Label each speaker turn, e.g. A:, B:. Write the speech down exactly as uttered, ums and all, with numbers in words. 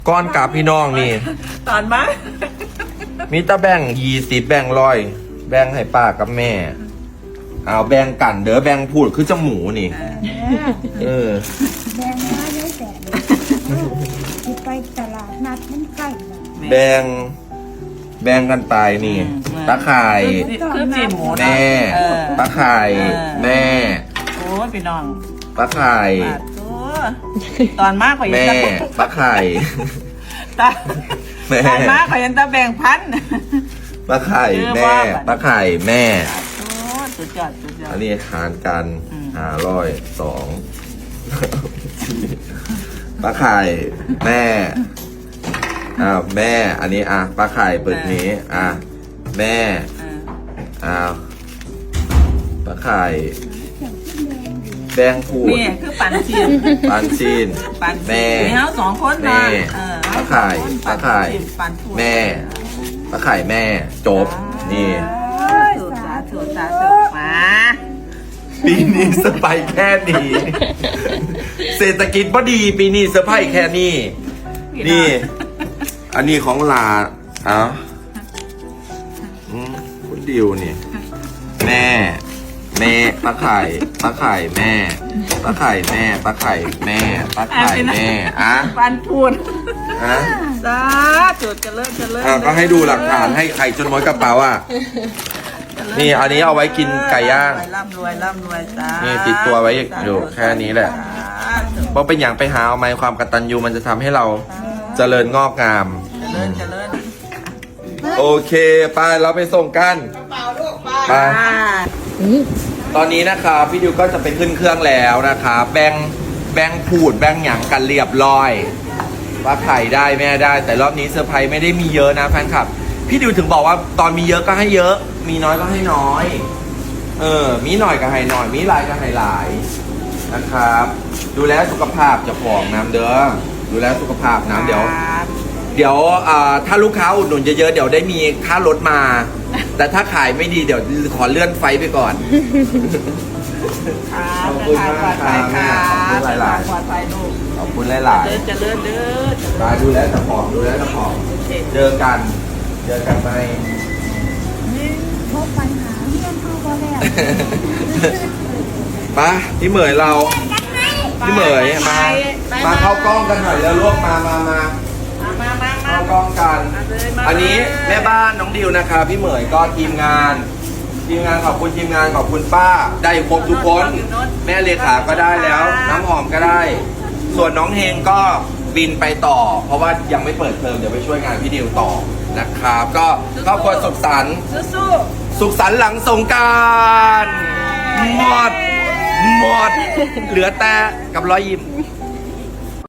A: ก้อนกับพี่น้องนี่
B: ตอนมา
A: มีตะแบ่งยี่สิบแบ่งร้อยแบ่งให้ป้ากับแม่เอาแบ่งกันเด้อแบ่งพูดคือจมูกนี่เออ
C: แบงมาได้แต่ที่ไปตลาดนัดมันใกล้แล้ว
A: แบ่งแบ่งกันไปนี่ตะไคร่
B: คือจีนหมูนะ
A: แม่
B: เออ
A: ตะไคร่แม่
B: โอ้ยพี่น้อง
A: ตะไคร่
B: บาดตัวตอนมากกว่ายั
A: แม่
B: นตะ
A: ตะไคร่
B: ตา
A: แม่
B: ตอนมากกว่ายันตะแบ่งพัน
A: ตะไคร่แม่ตะไคร่แม่
B: โอ้สุดยอดสุดยอ
A: อั
B: ด
A: นนี้หารกัน
B: อืม
A: หาร้อยสองปลาไข่แม่อ้าวแม่ อันนี้อ่ะปลาไข่เปิดนี้ อ่ะแม่
B: เออ
A: อ้าวปลาไข่แบงพูด
B: นี่คือปันจีน
A: ปานชีน
B: ปัน
A: แม่
B: มีเฮาสองคน
A: แม่
B: นะเออ
A: ปลาไข่ปลาไข่
B: ปันพูด
A: แม่ปลาไข่แม่ จบ นี่
B: ถูกสาถูกสาถูกมา
A: ปีนี้สไปแค่นี้ เศรษฐกิจพอดี ปีนี้เซอร์ไพรส์แค่นี้ นี่ อันนี้ของลาเอ้าอืมคุณดิวนี่ แม่ แม่ปลาไข่ปลาไข่แม่ปลาไข่แม่ปลาไข่แม่ปลาไข่แม่อ่ะ
B: ปันพูด
A: อ่ะ
B: สาธุเจริญเจริญ
A: อ่ะก็ให้ดูหลักฐานให้ไข่จนม้อยกระเป๋าอ่ะ นี่อันนี้เอาไว้กินไก่ย่าง
B: ร่ำรวยร่ำรวยจ้า
A: นี่ติดตัวไว้อยู่แค่นี้แหละ เพราะเป็นอย่างไปหาเอาไม้ความกตัญญูมันจะทำให้เราเจริญงอกงาม
B: เจริญเจริญ
A: โอเคไปเราไปส่งกันไปตอนนี้นะครับพี่ดิวก็จะไปขึ้นเครื่องแล้วนะครับแบงแบงพูดแบงหยังกันเรียบร้อย ว่าไข่ได้แม่ได้ แต่รอบนี้เซอร์ไพรส์ไม่ได้มีเยอะนะแฟนคลับ พี่ดิวถึงบอกว่าตอนมีเยอะก็ให้เยอะ มีน้อยก็ให้น้อย เออ มีหน่อยก็ให้หน่อย มีหลายก็ให้หลายนะครับ ดูแลสุขภาพเจะของน้ำเด้อ ดูแลสุขภาพน้ำเดี๋ยว เดี๋ยวอ่าถ้าลูกค้าอุดหนุนเยอะๆ เดี๋ยวได้มีค่ารถมา แต่ถ้าขายไม่ดีเดี๋ยวขอเลื่อนไฟไปก่อน ขอบคุณมากครับ
B: ค่ะ
A: ขอบคุณหลายๆ
B: ปลอดภัยลูก
A: ขอบคุณหลาย
B: เจริญเจริญเด้อ
A: ๆมาดูแลเจ้าของดูแลเจ้าของ เจอกัน เจอกันไหม
C: พบปัญหาเรื่องเข้าก็แล้ว
A: ไปพี่เหมยเรา พี่เหมยมา มาเข้ากล้องกันหน่อยแล้วลวกมามามา
B: มามามามา
A: เข้ากล้องกัน อันนี้แม่บ้านน้องดิวนะครับพี่เหมยก็ทีมงาน ทีมงานขอบคุณทีมงานขอบคุณป้า ได้ครบทุกคน แม่เลขาก็ได้แล้ว น้ำหอมก็ได้ ส่วนน้องเฮงก็บินไปต่อ เพราะว่ายังไม่เปิดเทอมเดี๋ยวไปช่วยงานพี่ดิวต่อนะครับ ก็ครอบครัวสุขสันต์
B: สู้
A: สุขสันต์หลังสงกรารหมด หมด เหลือแต่กับรอยยิ้ม
B: ๆ